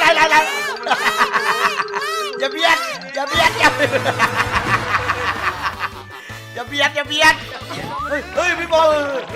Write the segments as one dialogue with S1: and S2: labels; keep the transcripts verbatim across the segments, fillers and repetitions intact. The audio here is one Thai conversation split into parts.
S1: ไหนไหนไหนอย่าเบียดอย่าเบียดอย่าอย่าเบียดอย่าเบียดเฮ้ยเฮ้ยพี่บอล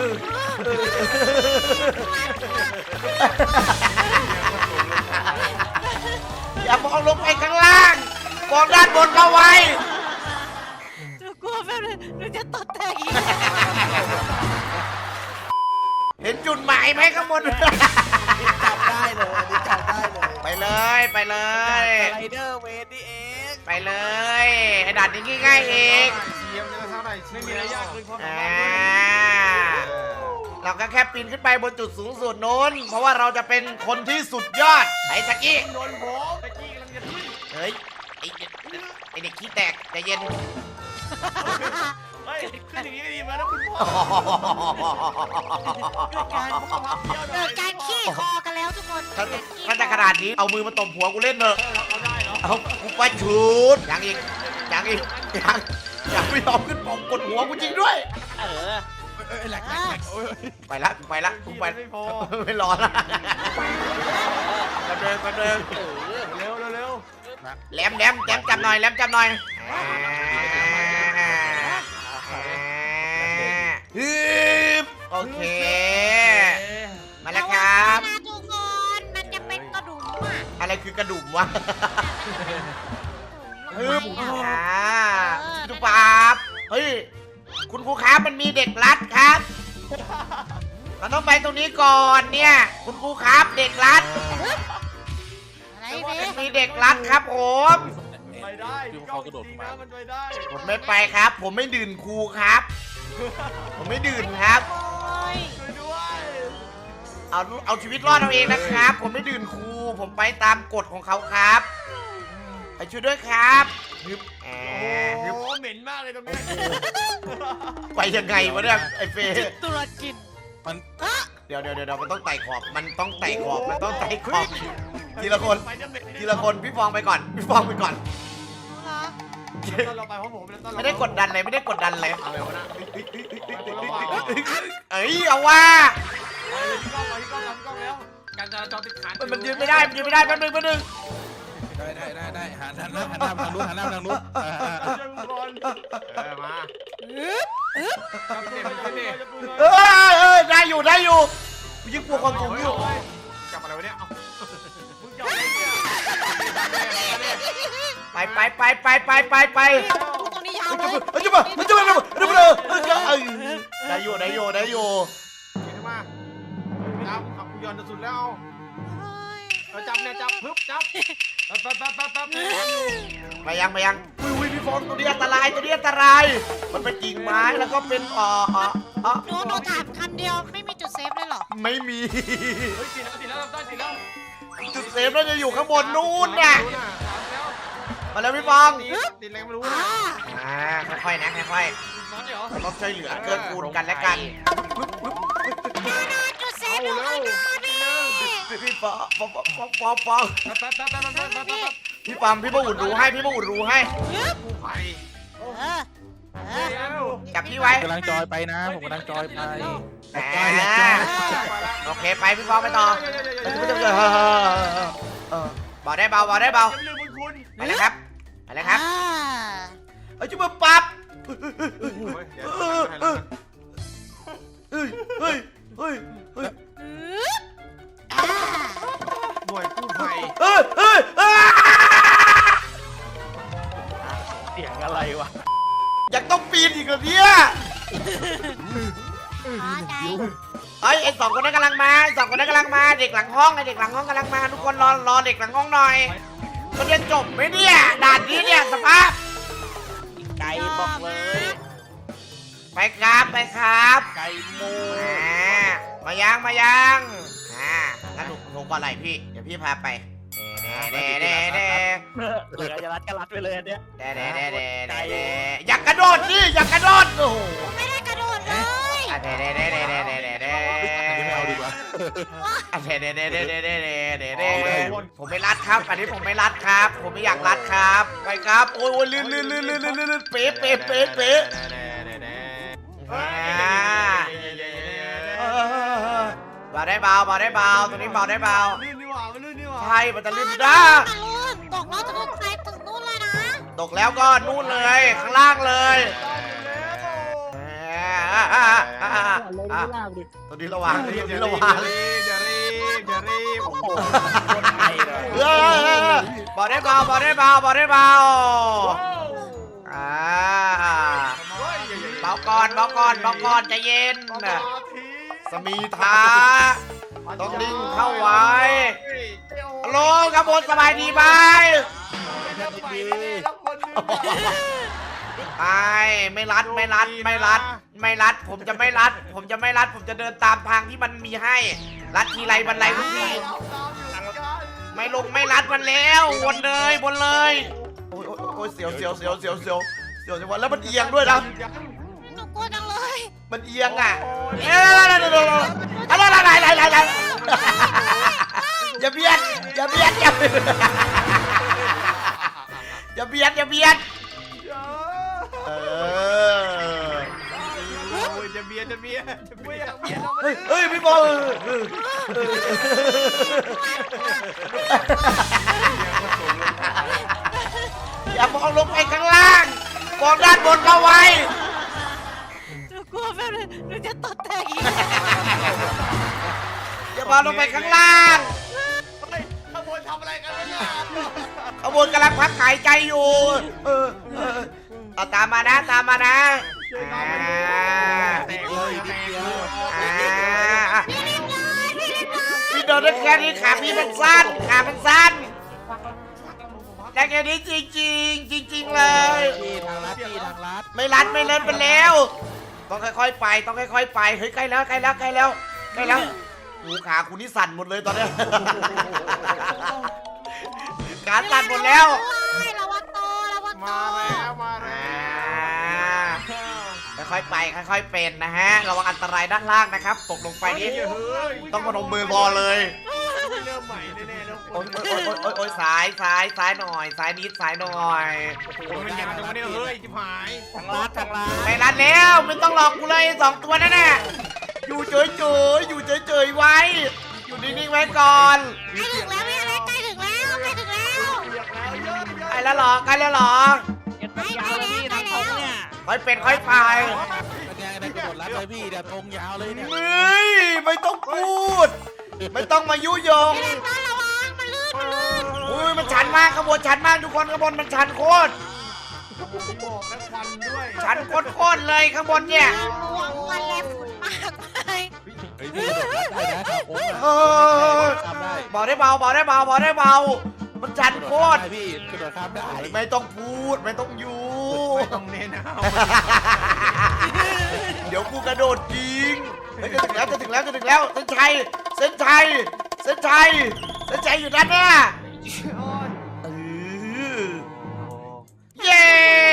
S1: อย่ามองลงไปข้างล่างมองด้านบนเอาไว้
S2: จะกลัวแป๊บนึงหนูจะตดแตกอีก
S1: เห็นจุดหมายไหมข้างบน
S3: จับได้เลยจับได้เลย
S1: ไปเลยไปเลย
S3: ไรเดอร์เวทนี่เอง
S1: ไปเลยไอ้ด่านนี้ง่ายๆเอง
S4: ไม่มีอะไรยากเลยความสา
S1: อ่า
S4: มารถ
S1: เราก็แค่ปีนขึ้นไปบนจุดสูงสุดโน้นเพราะว่าเราจะเป็นคนที่สุดยอดไอ้ตะกี้
S4: โดนผมตะกี้กำลังจะขึ้น
S1: เฮ้ยไอ้เด็กไอ้เด็กขี้แตกใจเย็น
S4: เฮ้ยขึ้นอย่างนี้ก็ดีมาแล้วคุณพ่อ
S2: เกิดการขี้คอกันแล้วทุกคน
S1: ถ้าถ้าจะขนาดนี้เอามือมาตบหัวกูเล่นเถอะ
S4: เอาได้เหรอ
S1: เอากูไปชุดยังอีกยังอีกยังยังไม่ยอมขึ้นปองกดหัวกูจริงด้วยเออ
S3: แหลกแหลก
S1: ไปละไปละกูไป
S4: ไม่พอ
S1: ไม่รอละกระเดินกระเดิน
S4: เร็วเร็วเร็ว
S1: แหลมแหลมแหลมจับหน่อยแหลมจับหน่อยฮึบโอเคมาแล้วครับ
S2: ทุกคนมันจะเป็นกระดูกอ่ะ
S1: อะไรคือกระดุมวะฮึบอ่าดูปั๊บเฮ้ยคุณครูครับมันมีเด็กรัดครับเราต้องไปตรงนี้ก่อนเนี่ยคุณครูครับเด็กรัดมีเด็กรัดครับผม
S4: ไปได้เขากระโดดมามันไปได้
S1: ผมไม่ไปครับ ผมไม่ดื่นครูครับผมไม่ดื่นครับ
S4: ช่วยด้วย
S1: เอาเอาชีวิตรอดเอาเองนะครับผมไม่ดื่นครูผมไปตามกฎของเขาครับไปช่วยด้วยครับฮึบแอ
S4: โอ้โหเหม็นมากเลยตรงนี้
S1: ไปยังไงวะเนี่ยไอ้เฟย์
S2: ตุรกิน
S3: มัน
S1: เดี๋ยวเดี๋ยวเดี๋ยวมันต้องไต่ขอบมันต้องไต่ขอบมันต้องไต่ขอบทีละคนทีละคนพี่ฟองไปก่อนพี่ฟองไปก่อน
S4: เราไปเพราะผม
S1: ไม่ได้กดดันเลยไม่ได้กดดันเลยเอ้ยเอาว่า
S4: พี่ก้องพี่ก้องพี่ก้องแล้วการจราจรติดขัด
S1: มันยืนไม่ได้มันยืนไม่ได้แป๊บนึงแป๊บนึง
S3: ได้ได้ได้ได้หันหันหน้าหันหน้าทางนู้นหันหน้าทางนู้น
S4: มา
S1: เออเออได้อยู่ได้อยู่ยิ่งกลัวความสูงอยู่
S4: จับอะไรวะเนี่ย
S1: ไปไปไปไปไปไปไป
S2: ตรงนี้ยาวเลย
S1: มันจะมามันจะมามันจะมาได้อยู่ได้อยู่ได้อยู่
S4: เก่งมากจับขับย้อนจะสุดแล้วเอาจับเนี่ยจับปึ๊บจับปั๊บปั๊บปั๊บปั๊บปั๊บ
S1: ไปยังไปยังอุ้ยพี่ฟองตัวนี้อันตรายตัวนี้อันตรายมันเป็นกิ่งไม้แล้วก็เป็นอ่ออ่ออ่อ
S2: หนูหนูถามคำเดียวไม่มีจุดเซฟเลยหรอ
S1: ไม่มี
S4: เฮ้ยติดแล้วติดแล้วต้นติดแล้ว
S1: จุดเซฟน่าจะอยู่ข้างบนนู่นน่ะมาแล้วพี่ฟอง
S4: ติดอะไรไม่รู้
S1: อ่าค่อยๆนะค่อยๆต้องช่วยเหลือเกื้อกูลกันและกัน
S2: จุดเซฟเลย
S1: พี่ฟองฟองฟองฟองฟองพี่ปั๊มพี่ป้าอุ่นรู้ให้พี่ป้าอุ่นรู้ให้จับพี่ไว้
S3: กำลังจอยไปนะผมกำลังจอยไป
S1: โอเคไปพี่ฟองไปต่อเบาได้เบาเบาได้เบาไปเลยครับไปเลยครับเอ้ยจุ๊บปั๊บเฮ้ยเฮ้ยเฮ้ยเฮ้ย
S4: หน่วยกู้ภัย
S1: เฮ้ยเฮ้ย
S3: เสียงอะไรวะ
S1: ยังต้องปีนอีกเหรอเนี่ยไอ้ไอ้สองคนนั้นกำลังมาสองคนนั้นกำลังมาเด็กหลังห้องไอ้เด็กหลังห้องกำลังมาทุกคนรอรอเด็กหลังห้องหน่อยมันเรียนจบไหมเนี่ยด่านนี้เนี่ยสภาพ
S3: ไก่บอกเลย
S1: ไปครับไปครับ
S3: ไก่โม
S1: มายังมายังอ่างั้นหนูหนูก่อนไหนพี่เดี๋ยวพี่พาไปเด้เด้เด้เด้
S3: เหลือจะรัดก็รัดไปเลยอันเนี้ย
S1: เด้เด้เด้เด้เด้เด้อยากกระโดดนี่อยากกระโดดโอ้โห
S2: ไม่ได้กระโดดเลย
S1: เด้เด้เด้เด้เด้เด้เด้เด้
S3: อันนี้ไม่เอาดีกว่า
S1: เด้เด้เด้เด้เด้เด้เด้เด้เด้ผมไม่รัดครับอันนี้ผมไม่รัดครับผมไม่อยากรัดครับไปครับโอ้ยลื่นลื่นลื่นลื่นลื่นลื่นเป๊ะเป๊ะเป๊ะเป๊ะเบาได้เบาเบาได้เบาตัวนี้เบาได้เบา
S4: ว่ามันลื่นนี่หว่า
S1: ใช่มันจะลื่น
S2: นะ
S1: นะ
S2: ลื่นตกแล้วจะลื่นไปถึงนู่นเลยนะ
S1: ตกแล้วก็นู่นเลยข้างล่างเลยอ่าอ่าอ่าอ่าอ่าตัวนี้ระวังตัวนี้ระวัง
S4: อย่ารีบอย่ารีบโอ้โห
S1: เออบอกได้เบาบอกได้เบาบอกได้เบาอ่าเบาก่อนเบาก่อนเบาก่อนใจเย็นสมีทาต้องนิ่งเข้าไว้ฮัลโหลครับผมสบายดีไหมไปไม่รัดไม่รัดไม่รัดไม่รัด ผมจะไม่รัด ผมจะไม่รัด ผมจะเดินตามทางที่มันมีให้ รัดทีไรบันไลทุกทีไม่ลงไม่รัดมันแล้ววนเลยวนเลยโอ้ยโอ้ยโอ้ยเสียวเสียวเสียวเสียวเสียวเสียวจังหวะแล้วมันเอียงด้วยนะ
S2: หนูกลัวจังเลย
S1: มันเอียงอ่ะเอ๊ะอะไรอะไรอะไรอะไรอะไรอะไรอย่าเบียดอย่าเบียดอย่าเบียดอย่าเบียดอย่าเบียดเออ
S4: โอ้ยจะเบียดจะเบียดจะเบียดเบียด
S1: เฮ้ยเฮ้ยพี่บอลอย่ามองลงไปข้างล่างมองด้านบนเอาไว้
S2: หนูกลัวแบบนึงหนูจะตดแตกอีก
S1: อย่ามองลงไปข้างล่าง
S4: ขบวนทำอะไรกันเนี่ย
S1: ขบวนกำลังพักหายใจอยู่เออเออเอาตามมานะตามมานะอ่า
S4: แตกเลยแตกเลย
S1: อ่าพี่โดนได้แค่นี้ขาพี่มันสั้นขามันสั้นได้แค่นี้จริงจริงจริงจริงๆเลย
S3: พี่ทางลัดพี่ทางลัด
S1: ไม่รัดไม่เล่นไปแล้ว ต้องค่อยๆไปต้องค่อยๆไปเฮ้ยใกล้แล้วใกล้แล้วใกล้แล้วใกล้แล้วหูขาคุณนี่สั่นหมดเลยตอนเนี้ยขาสั่นหมดแล้ว
S2: ระวังโตระวังโต
S4: มาแล้วมา
S1: อ่
S4: แล้ว
S1: าค่อยๆไปค่อยๆเป็นนะฮะระวังอันตรายด้านล่างนะครับตกลงไปนี้ต้องพนมมือรอเลย
S4: เริ่มใหม่แน่ๆแล้ว
S1: โอ๊ยโอ๊ยโอ๊ยโอ๊ยโอ๊ยซ้ายซ้ายซ้ายหน่อยซ้ายนิดซ้ายหน่อย
S4: มันยาวจังวะเนี่ยเฮ้ยจิ๋หาย
S3: ทางลัดทางลัด
S1: ไม่รัดแล้วไม่ต้องหลอกกูเลยสองตัวนั่นน่ะอยู่เฉยๆอยู่เฉยๆไว้ อยู่นิ่งๆไว้ก่อน
S2: ใกล้ถึงแล้วพี่อะไรใกล้ถึงแล้วใกล้ถึงแล้ว
S1: ใกล้แล้วเหรอใกล้แล้วเหรอ
S2: ใกล้แล้วใกล้แล้ว
S1: ค่อยเป็นค่อยไป
S3: เป็นไงในกระโดดลัดเลยพี่เดี๋ยวตรงยาวเลยเนี่ย
S1: เฮ้ยไม่ต้องพูด ไม่ต้องมายุยง
S2: พี่ต้นระวังมันลื่นมันลื่น
S1: อุ้ยมันชันมากขบวนชันมากทุกคนขบวนมันชันโคตร
S4: บอกแล้วควันด้วย
S1: ชันโคตรๆเลยข้างบนเนี่ย
S2: ระวังมันแรงฝุ่นมากเลย
S3: เฮ้ยพี่กระโดดลัดได้นะทางโค้ง
S1: เออ
S3: ข้ามได้
S1: บอกได้เบาบอกได้เบาบอกได้เบา มันชันโคตร
S3: พี่กระโดดข้ามได้
S1: ไม่ต้องพูดไม่ต้องยู
S4: ไม่ต้องเน้นเอา
S1: เดี๋ยวกูกระโดดยิงเฮ้ยจะถึงแล้วจะถึงแล้วจะถึงแล้วเส้นชัยเส้นชัยเส้นชัยเส้นชัยอยู่ด้านหน้าเออเย้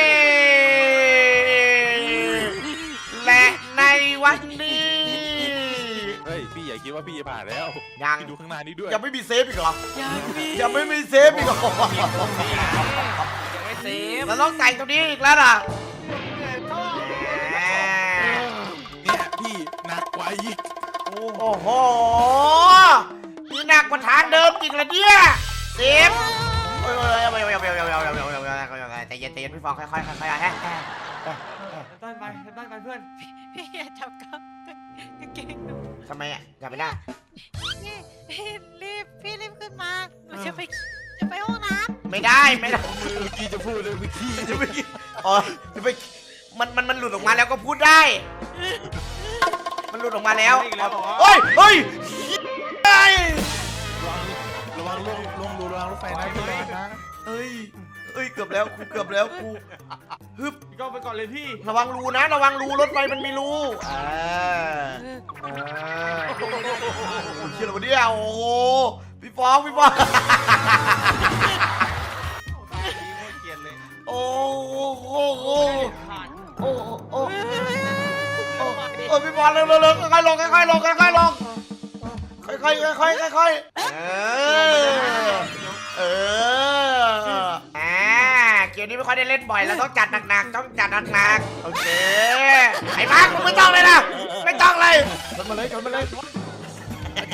S1: และในวันนี้
S3: เฮ้ยพี่อย่าคิดว่าพี่จะผ่านแล้ว
S1: ยัง
S3: พี่ดูข้างหน้านี้ด้วย
S1: ยังไม่มีเซฟอีกเหรอ
S2: ยังมี
S1: ยังไม่มีเซฟอีกเหรอ
S2: ยังไม่เซฟ
S1: เราต้องแต่งตรงนี้อีกแล้วล่ะแหม
S3: เนี่ยพี่หนักกว่าอีก
S1: โอ้โหนี่หนักกว่าทางเดิมอีกแล้วเนี่ยเซฟเอ้ยเอ้ยเอ้ยเอ้ยเอ้ยเอ้ยเอ้ยเอ้ยเอ้ยเอ้ยเอ้ยเอ้ยใจเย็นใจเย็นพี่ฟองค่อยๆค่อยๆฮะ
S4: ได้ไปได้ไปเพื่อน
S2: พี่อย่าจับกับกางเกงหนู
S1: ทำไมอ่ะจับไม่ได้
S2: พี่พี่รีบพี่รีบขึ้นมาหนูจะไปจะไปห้องน้
S1: ไม่ได้ไม่ได้
S3: เมื่อกี้จะพูดเลยเมื่อกี้
S1: จะไปอ๋อจะไปมันมันมันหลุดออกมาแล้วก็พูดได้ มันหลุดออกมาแล้วเฮ้ยเฮ้ยเฮ้ย
S3: ระวังลงลงดูระวังรถไฟนะพี่ระวังนะ
S1: เฮ้ยเฮ้ยเกือบแล้วกูเกือบแล้วกูฮึบ
S4: พี่ก้องไปก่อนเลยพี่
S1: ระวังรูนะ ระวังรูรถไฟมันมีรูอ่าอ่าโอ้ยเชี่ยอะไรวะเนี่ยโอ้โหพี่ฟองพี่ฟอง
S4: เกลียดเลย
S1: โอ้โหโอ้โหโอ้โหโอ้โหโอ้พี่บอลเร็วเร็วเร็วค่อยๆลงค่อยๆลงค่อยๆลงค่อยๆค่อยๆค่อยๆเออเอออ่าเกมนี้ไม่ค่อยได้เล่นบ่อยแล้วต้องจัดหนักๆต้องจัดหนักๆโอเคไอ้มาร์คมึงไม่ต้องเลยนะไม่ต้องเลยชนมาเลยชนมาเลย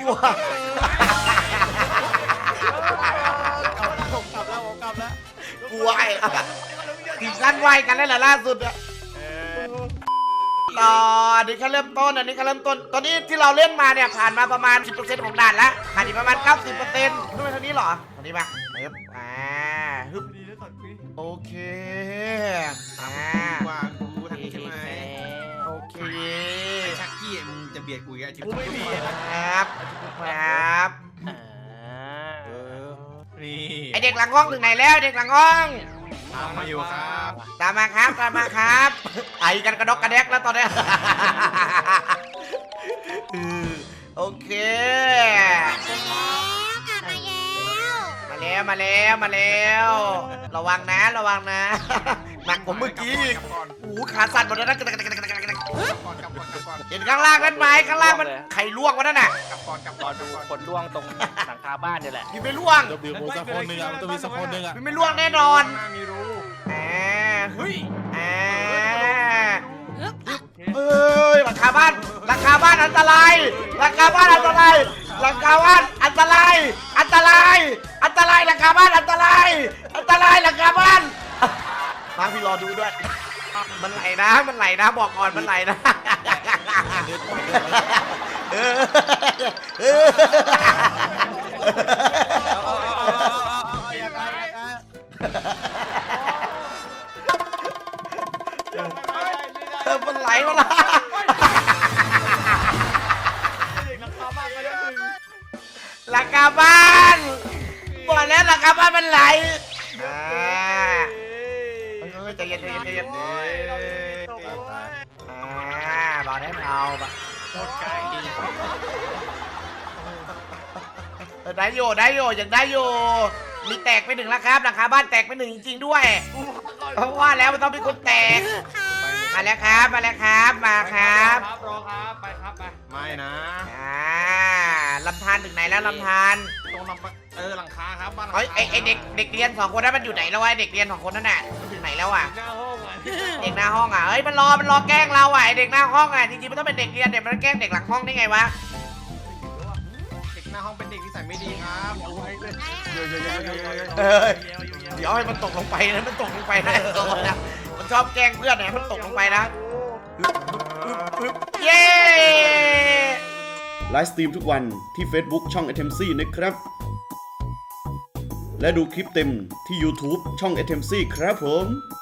S1: กลัว
S3: ผมกลับแล้วผมกลับแล้ว
S1: กลัวไอ้ถึงขั้นไหวกันแล้วเหรอล่าสุดอะต่ออันนี้แค่เริ่มต้นอันนี้แค่เริ่มต้นตอนนี้ที่เราเล่นมาเนี่ยผ่านมาประมาณ สิบเปอร์เซ็นต์ ของด่านแล้วผ่านอีกประมาณ เก้าสิบเปอร์เซ็นต์ ด้วยเท่านี้เหรอเท่านี้ปะฮึบอ่าฮึบโอเคอ่า
S4: ว่ากูทางนี้ใช่ไหม
S1: โอเค
S4: ไอ้ชักกี้มึงจะเบียดกูอีกไอ้ชิบ
S3: กูไม่มี
S1: ครับครับ
S3: นี่
S1: ไอเด็กหลังห้องถึงไหนแล้วเด็กหลังห้อง
S4: ตามมาอยู่ครับ
S1: ตามมาครับตามมาครับไอกันกระดกกระแดกแล้วตอนเนี้ยเออโอเค
S2: มาแล้ว
S1: มาแล้วมาแล้วมาแล้ว ระวังนะระวังนะหนักกว่าเมื่อกี้อีก
S4: กลับก่อน
S1: โอ้โหขาสั่นหมดแล้วนะ
S4: กลับก่อนกลับก่อนกลับก่อนกลับก่อน
S1: เห็นข้างล่างนั้นไหมข้างล่างมันไข่ล่วงวะนั่นน่ะ
S4: กลับก่อนกลับก่อนกลับก่อน
S5: คนล่วงตรงหลังคาบ้านนี่แหละ
S1: พี่ไม่ล่วง
S3: เดี๋ยวมีสักคนหนึ่งอ่ะมันต้องมีสักคนหนึ่งอ่ะ
S1: พี่ไม่ล่วงแน่นอน
S4: ข้างหน้ามีรู
S1: อ่า
S4: เฮ้ย
S1: อ่าเอ้ยหลังคาบ้านหลังคาบ้านอันตรายหลังคาบ้านอันตรายหลังคาบ้านอันตรายอันตรายอันตรายหลังคาบ้านอันตรายอันตรายหลังคาบ้านมาพี่รอดูด้วย มันไหลนะมันไหลนะบอกก่อนมันไหลนะเออเออ เออมันไหลมาละหลังคาบ้านบอกแล้วหลังคาบ้านมันไหลอ่าเฮ้ยใจเย็นใจเย็นใจเย็นอ่าบอกได้เบาปะเออได้โยได้โยยังได้โยมีแตกไปหนึ่งแล้วครับหลังคาบ้านแตกไปหนึ่งจริงๆด้วยเพราะว่าแล้วมันต้องเป็นคนแตกมาแล้วครับมาแล้วครับมาครับ
S4: รอครับไปครับไปไม่นะ
S1: อ่าลำธารถึงไหนแล้วลำธาร
S4: ตรงลำปะเออหลังคาครับบ้านหลัง
S1: เฮ้ย
S4: คา
S1: ไอไอเด็กเด็กเรียนสองคนนั้นมันอยู่ไหนแล้ววะไอเด็กเรียนสองคนนั่นน่ะมันถึงไหนแล้วอ่ะ
S4: หน้าห้องอ่ะ
S1: เด็กหน้าห้องอ่ะเฮ้ยมันรอมันรอแกล้งเราอ่ะไอเด็กหน้าห้องอ่ะจริงๆมันต้องเป็นเด็กเรียนเด็กมันแกล้งเด็กหลังห้องได้ไงวะ
S4: เด็กหน้าห้องเป็นเด็กที่ใส่ไม่ดีครับเอาไว้เลย
S1: เออเดี๋ยวให้มันตกลงไปนะมันตกลงไปนะนะมันชอบแกล้งเพื่อนนะมันตกลงไปนะเย้
S6: ไลฟ์สตรีมทุกวันที่ Facebook ช่อง เอ ที เอ็ม ซี นะครับ และดูคลิปเต็มที่ YouTube ช่อง เอ ที เอ็ม ซี ครับผม